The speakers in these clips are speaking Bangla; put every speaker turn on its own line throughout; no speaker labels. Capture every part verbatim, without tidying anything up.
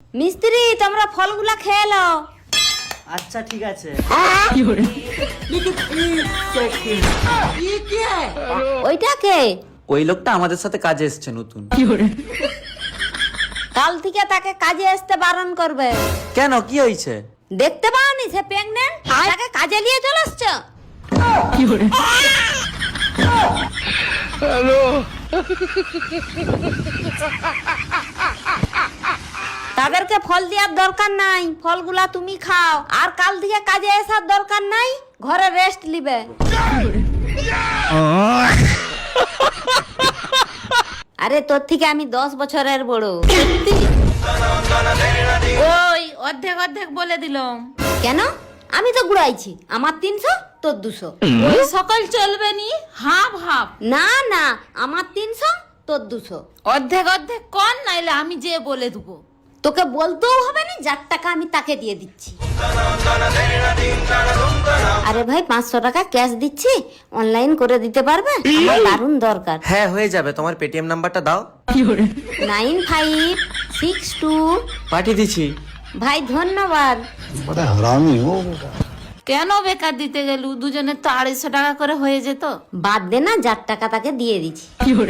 মিস্ত্রি তোমরা ফলগুলা খেয়ে নাও।
আচ্ছা ঠিক আছে।
ওইটা কে?
ওই লোকটা আমাদের সাথে কাজে এসছে নতুন।
কাল থেকে তাকে কাজে আসতে বারণ করবে।
কেন, কি হয়েছে?
দেখতে পাওনি সে প্রেগন্যান্ট, তাকে কাজে নিয়ে চলে আসছো। তাদেরকে ফল দেওয়ার দরকার নাই, ফলগুলা তুমি খাও। আর কাল থেকে কাজে আসার দরকার নাই, ঘরে রেস্ট নিবে। আরে তোর থেকে আমি দশ বছরের বড়।
ওই অর্ধেক অর্ধেক বলে দিলাম।
কেন? আমি তো ঘুরাইছি, আমার তিনশো তোর দুশো।
ওই সকল চলবে নি, হাফ হাফ।
না না, আমার তিনশো তোর দুশো।
অর্ধেক অর্ধেক কর, নাইলে আমি যে বলে দেবো।
তোকে বলতেও হবে না, যার টাকা আমি তাকে দিয়ে দিচ্ছি। আরে ভাই, পাঁচশো টাকা ক্যাশ দিচ্ছি, অনলাইন করে দিতে পারবে? আমার দারুণ দরকার।
হ্যাঁ হয়ে যাবে, তোমার পেটিএম নাম্বারটা দাও।
Nine five six two.
পাঠিয়ে দিচ্ছি।
ভাই ধন্যবাদ।
কেন বেকার দিতে গেলু? দুজনের তো আড়াইশো টাকা করে হয়ে যেত।
বাদ দে না, যার টাকা তাকে দিয়ে দিচ্ছি।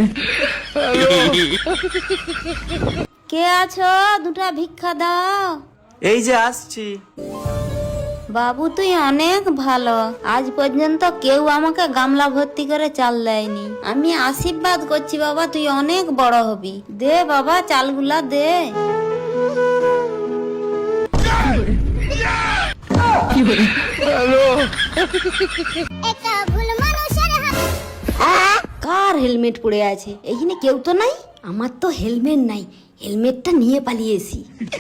কে আছো? দুটা ভিক্ষা দাও।
এই যে আসছি।
বাবু তুই অনেক ভালো, আজ পর্যন্ত কেউ আমাকে গামলা ভর্তি করে চাল দেয়নি। আমি আশীর্বাদ করছি বাবা, তুই অনেক বড় হবি। দে বাবা, চালগুলা দে। কার হেলমেট পড়ে আছে? এইখানে কেউ তো নাই। আমার তো হেলমেট নাই, হেলমেটটা নিয়ে পালিয়েছি।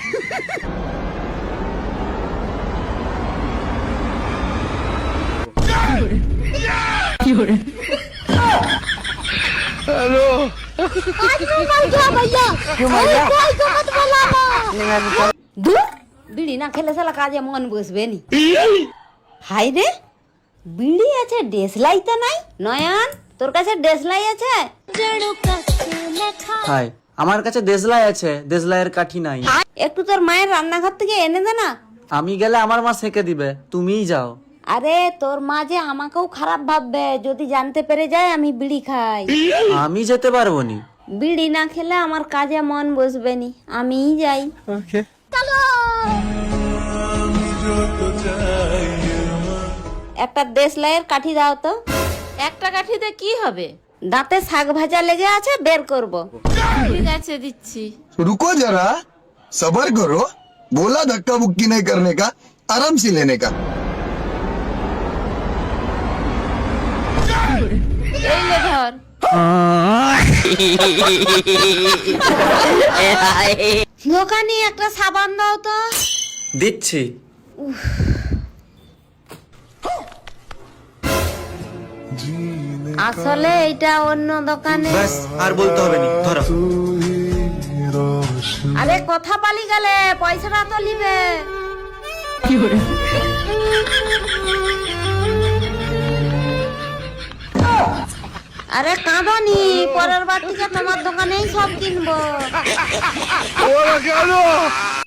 দূর, বিড়ি না খেলে সালা কাজে মন বসবে নি। হাই রে, বিড়ি আছে, ডেসলাই তো নাই। নয়ন, তোর কাছে ডেসলাই আছে?
হাই, আমার কাছে দেশলাই আছে, দেশলাইয়ের কাঠি নাই।
একটু তোর মায়ের রান্নাঘর থেকে এনে দে না।
আমি গেলে আমার মা সেকে দিবে, তুমিই যাও।
আরে তোর মা যে আমাকেও খারাপ ভাববে যদি জানতে পেরে যায় আমি বিড়ি খাই।
আমি যেতে পারবো নি।
বিড়ি না খেলে আমার কাজে মন বসবে নি, আমিই যাই। একটা দেশলাইয়ের কাঠি দাও তো।
একটা কাঠিতে কি হবে?
দাঁতে শাক ভাজা লেগে আছে, বের করব।
ঠিক আছে, দিচ্ছি।
रुको जरा, सबर करो। बोला धक्का मुक्की नहीं करने का, आराम से लेने का।
এই লে ধর।
দোকানে একটা সাবান দাও তো।
দিচ্ছি।
আসলে এটা অন্য দোকানে।
ব্যাস, আর বলতে হবে নি, ধরো।
আরে কথা পালি গেলে, পয়সাটা তো নিবে। আরে কাঁদনি, পরের বার থেকে তোমার দোকানেই সব কিনবো।